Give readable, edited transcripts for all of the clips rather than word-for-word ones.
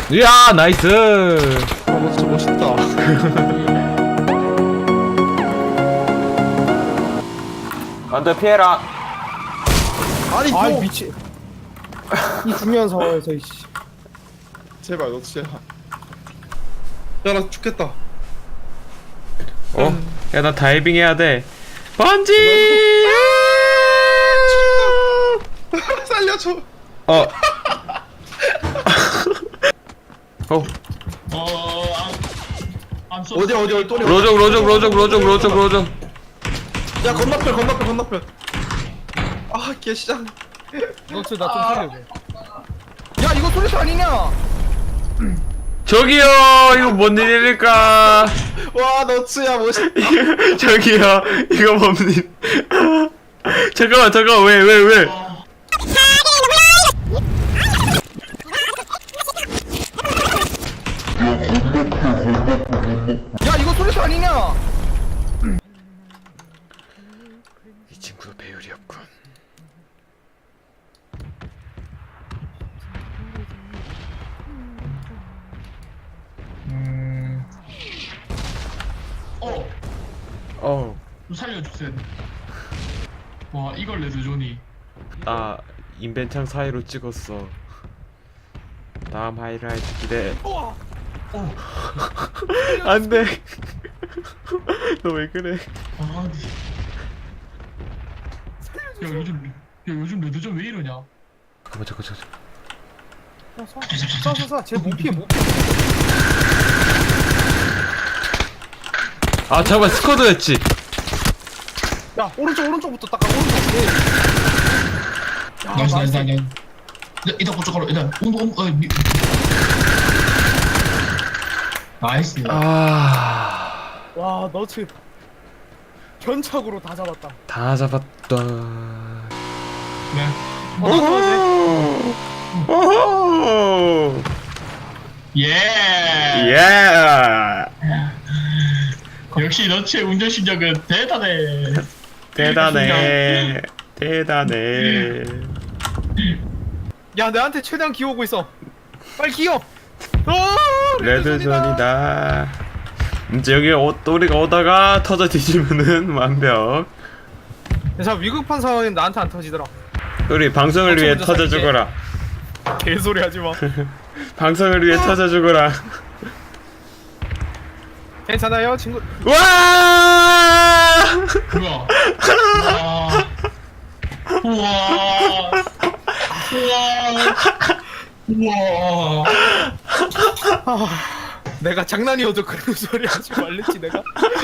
이야 나이스. 진짜 멋있다. 안돼 피해라. 아니 아 너 미치. 이 중요한 상황에서 이씨. 제발 너 진짜. 야나 죽겠다. 야 나 다이빙 해야 돼. 번지. 살려줘. 어. 어. 어디 또 로족. 야 건너편. 아 개시장. 너츠 나좀 살려줘. 야 이거 소리소 아니냐? 저기요 이거 뭔 일일까? 와 너츠야 멋있다. 저기요 이거 뭔 일? 잠깐만 왜? 야 이거 소리소 아니냐? 이 친구도 배율이었군. 좀 살려주세요. 와 이걸 레드존이. 나 인벤창 사이로 찍었어. 다음 하이라이트 기대. 안돼. 너 왜 그래? 아, 요즘 레드존 왜 이러냐? 잠깐. 쏴. 쟤못 피해. 아 잠깐 스쿼드였지. 야 오른쪽부터 닦아. 오른쪽. 야, 나이스. 일단 고춧가루 일단 나이스. 와 너츠 견착으로 다 잡았다. 다 잡았다. 네. 오호. 예. 예. 역시 너츠의 운전 실력은 대단해. 야 내한테 최대한 기어오고 있어. 빨리 기어. 레드존이다. 이제 여기 우리가 오다가 터져 뒤지면은 완벽. 자 위급한 상황엔 나한테 안 터지더라. 우리 방송을 위해 먼저 터져 살게. 죽어라. 개소리 하지 마. 방송을 위해 터져 죽어라. 괜찮아요 친구. 와! 뭐야? 우와. 내가 장난이어도 그런 소리 하지 말랬지 내가.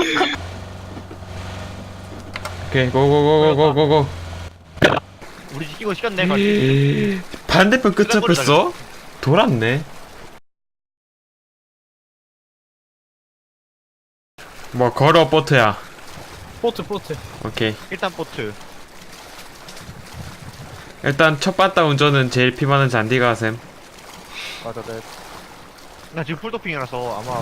오케이 고고고고고고고. 우리 이거 시간 내 가지. 반대편 끝 잡혔어? 돌았네. 뭐 걸어 보트야. 포트. 오케이. 일단 보트. 일단 첫 바다 운전은 제일 피 많은 잔디가 셈. 맞아, 네. 나 지금 풀도핑이라서 아마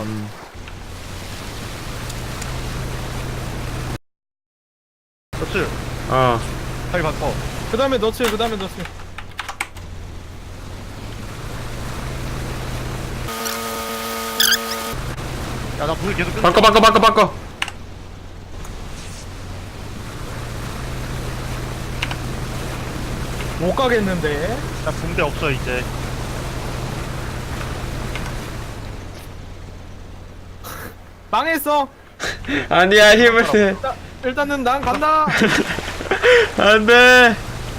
보트. 어. 빨리 바꿔. 그다음에 너츠. 야, 나 불 계속 끄. 바꿔. 못 가겠는데. 나 붕대 없어 이제. 망했어. 아니야 힘을 내. 일단은 난 간다. 안돼.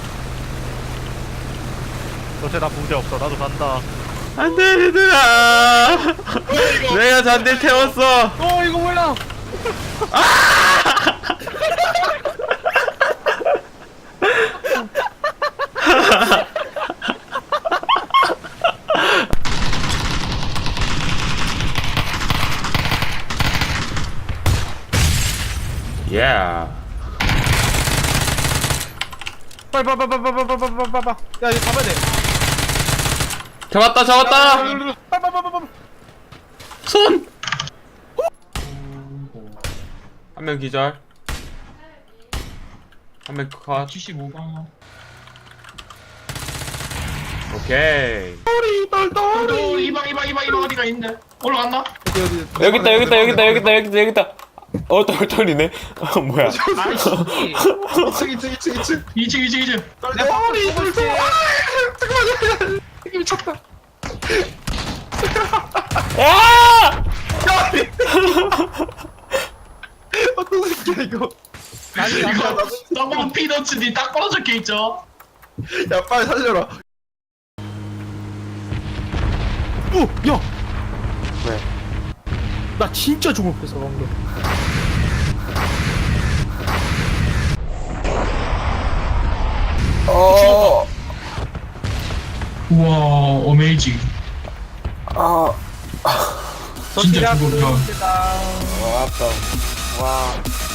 너쟤 나 붕대 없어. 나도 간다. 안돼 얘들아. 내가 잔디를 태웠어. 이거 몰라. Yeah. 빨리. 야 이거 잡아야 돼. 잡았다. 빨리. 손. 한 명 기절. 한 명 컷. 75가. 오케이. 또 이방 어디가 있네. 올라갔나? 여기 있다. 똘똘이네. 뭐야? 아이씨. 2층 2층. 똘똘이 똘똘 잠깐만 미쳤다 야! 어떤 새끼야 이거 이거 썩은 피너츠니 딱 걸어 적혀있죠? 야 빨리 살려라 오, 야. 왜? 나 진짜 죽을 뻔했어 방금. 우와, 어메이징. 진짜 더 죽었다. 시작. 와, 아빠. 와.